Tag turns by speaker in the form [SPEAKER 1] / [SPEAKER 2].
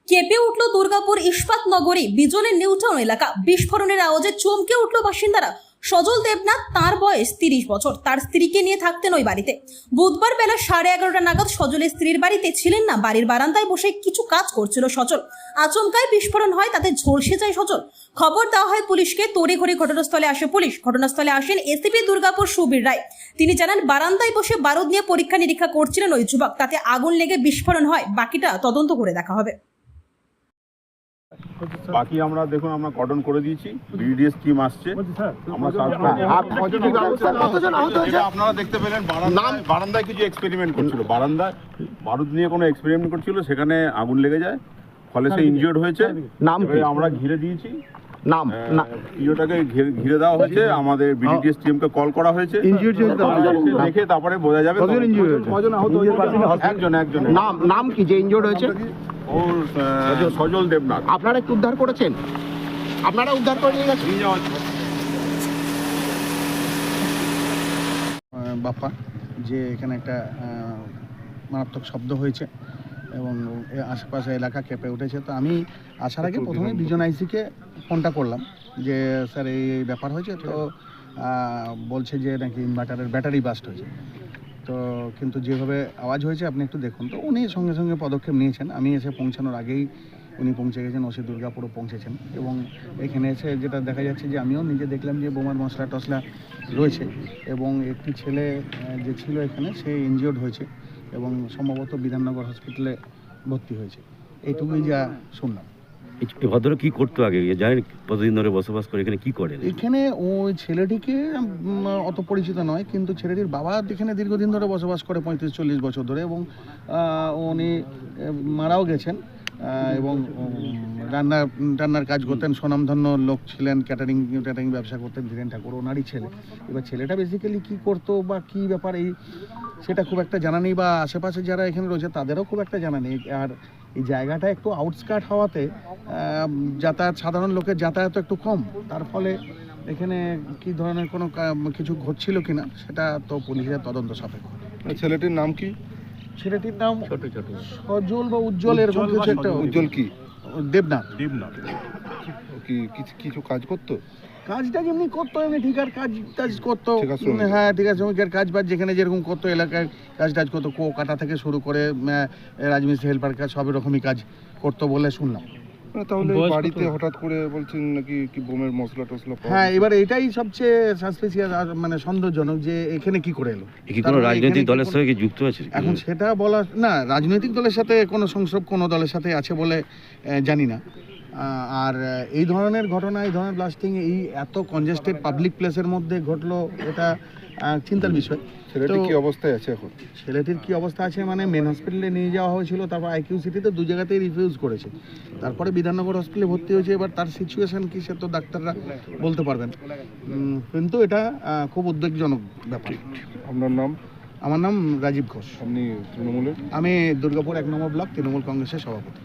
[SPEAKER 1] কেঁপে উঠল দুর্গাপুর ইস্পাত নগরী বিজলের নিউটাউন এলাকা। বিস্ফোরণের আওয়াজে চমকে উঠল বাসিন্দারা। সজল দেবনাথ, তার বয়স 30 বছর, তার স্ত্রীকে নিয়ে থাকতেন ওই বাড়িতে। বুধবার বেলা 11:30 নাগাদ সজলের স্ত্রীর বাড়িতে ছিলেন না। বাড়ির বারান্দায় বসে কিছু কাজ করছিল সজল। আচমকায় বিস্ফোরণ হয়, তাতে ঝলসে যায় সজল। খবর দেওয়া হয় পুলিশকে। তড়িঘড়ি ঘটনাস্থলে আসে পুলিশ। ঘটনাস্থলে আসেন এসিপি দুর্গাপুর সুবীর রায়। তিনি জানান, বারান্দায় বসে বারুদ নিয়ে পরীক্ষা নিরীক্ষা করছিলেন ওই যুবক। তাতে আগুন লেগে বিস্ফোরণ হয়। বাকিটা তদন্ত করে দেখা হবে।
[SPEAKER 2] বাকি আমরা দেখুন, আমরা কর্ডন করে দিয়েছি, বিডিএস টিম আসছে, আমরা আপনারা দেখতে পেলেন বারান্দায় কিছু এক্সপেরিমেন্ট করছিল, বারান্দায় বারুদ নিয়ে কোনো এক্সপেরিমেন্ট করছিল, সেখানে আগুন লেগে যায়, ফলে সে ইনজিওর্ড হয়েছে। আমরা ঘিরে দিয়েছি, ইয়েটাকে ঘিরে দেওয়া হয়েছে, আমাদের বিডিএস টিমকে কল করা হয়েছে, দেখে তারপরে বোঝা যাবে একজন।
[SPEAKER 3] নাম কি যে ইনজিওর্ড হয়েছে?
[SPEAKER 2] ওর সজল দেবনাথ।
[SPEAKER 3] আপনারা একটু উদ্ধার করেছেন? আপনারা উদ্ধার করে নিয়ে গেছেন?
[SPEAKER 4] বাপ্পা, যে এখানে একটা মারাত্মক শব্দ হয়েছে এবং আশেপাশে এলাকা কেঁপে উঠেছে। তো আমি আসার আগে প্রথমে বিজন আইসিকে ফোনটা করলাম যে স্যার এই ব্যাপার হয়েছে। তো বলছে যে নাকি ইনভার্টারের ব্যাটারি বাস্ট হয়েছে। তো কিন্তু যেভাবে আওয়াজ হয়েছে আপনি একটু দেখুন। তো উনি সঙ্গে সঙ্গে পদক্ষেপ নিয়েছেন। আমি এসে পৌঁছানোর আগেই উনি পৌঁছে গেছেন, ওসি দুর্গাপুরও পৌঁছেছেন। এবং এখানে এসে যেটা দেখা যাচ্ছে যে আমিও নিজে দেখলাম যে বোমার মশলা টশলা রয়েছে এবং একটি ছেলে যে ছিল এখানে সে ইনজিওর্ড হয়েছে এবং সম্ভবত বিধাননগর হসপিটালে ভর্তি হয়েছে। এইটুকুই যা শুনলাম।
[SPEAKER 5] ভদ্রলোক কি করতো আগে জানেন? কতদিন ধরে বসবাস করে এখানে? কি করেন
[SPEAKER 4] এখানে? ওই ছেলেটিকে অত পরিচিত নয়, কিন্তু ছেলেটির বাবা এখানে দীর্ঘদিন ধরে বসবাস করে, 35-40 বছর ধরে, এবং উনি মারাও গেছেন এবং রান্নার কাজ করতেন, স্বনামধন্য লোক ছিলেন, ক্যাটারিং ব্যবসা করতেন, ধীরেন ঠাকুর ওনারই ছেলে। এবার ছেলেটা বেসিক্যালি কী করতো বা কী ব্যাপার সেটা খুব একটা জানা নেই, বা আশেপাশে যারা এখানে রয়েছে তাদেরও খুব একটা জানা নেই। আর এই জায়গাটা একটু আউটস্কার্ট হওয়াতে সাধারণ লোকের যাতায়াত একটু কম, তার ফলে এখানে কী ধরনের কোনো কিছু ঘটছিল কিনা সেটা তো পুলিশের তদন্ত সাপেক্ষ।
[SPEAKER 6] ছেলেটির নাম কি?
[SPEAKER 4] ছেলেটির নাম সজল বা উজ্জ্বল, এরকম কিছু একটা।
[SPEAKER 6] উজ্জ্বল কি?
[SPEAKER 4] দেবনাথ।
[SPEAKER 6] কি কিছু কাজ করতো?
[SPEAKER 4] কাজটা যেমনি করতো, এমনি ঠিকার কাজ করতো। হ্যাঁ, ঠিক আছে, শ্রমিকের কাজ বাজ যেখানে যেরকম করতো, এলাকায় কাজ করতো, কাটা থেকে শুরু করে রাজমিস্ত্রি হেল্পার কাজ সব রকমই কাজ করতো বলে শুনলাম।
[SPEAKER 6] তাহলে বাড়িতে হঠাৎ করে বলছেন নাকি কি বোমের মশলা টসলা?
[SPEAKER 4] হ্যাঁ, এবার এটাই সবচেয়ে সাসপিসিয়াস, মানে সন্দেহজনক যে এখানে কি করে এলো।
[SPEAKER 5] কি কোনো রাজনৈতিক দলের সঙ্গে কি যুক্ত আছে?
[SPEAKER 4] এখন সেটা বলা না, রাজনৈতিক দলের সাথে কোনো সংস্রব কোনো দলের সাথে আছে বলে জানি না। আর এই ধরনের ঘটনা, এই ধরনের ব্লাস্টিং এই এত কনজেস্টেড পাবলিক প্লেসের মধ্যে ঘটলো, এটা চিন্তার বিষয়।
[SPEAKER 6] ছেলেটির কি অবস্থায় আছে এখন?
[SPEAKER 4] ছেলেটির কি অবস্থা আছে মানে মেন হসপিটালে নিয়ে যাওয়া হয়েছিল, তারপর আইকিউ সিটিতে 2 জায়গাতেই রিফিউজ করেছে, তারপরে বিধাননগর হসপিটালে ভর্তি হয়েছে। এবার তার সিচুয়েশন কি সে তো ডাক্তাররা বলতে পারবেন, কিন্তু এটা খুব উদ্বেগজনক ব্যাপার।
[SPEAKER 6] আপনার নাম?
[SPEAKER 4] আমার নাম রাজীব ঘোষ।
[SPEAKER 6] আপনি তৃণমূলের?
[SPEAKER 4] আমি দুর্গাপুর 1 নম্বর ব্লক তৃণমূল কংগ্রেসের সভাপতি।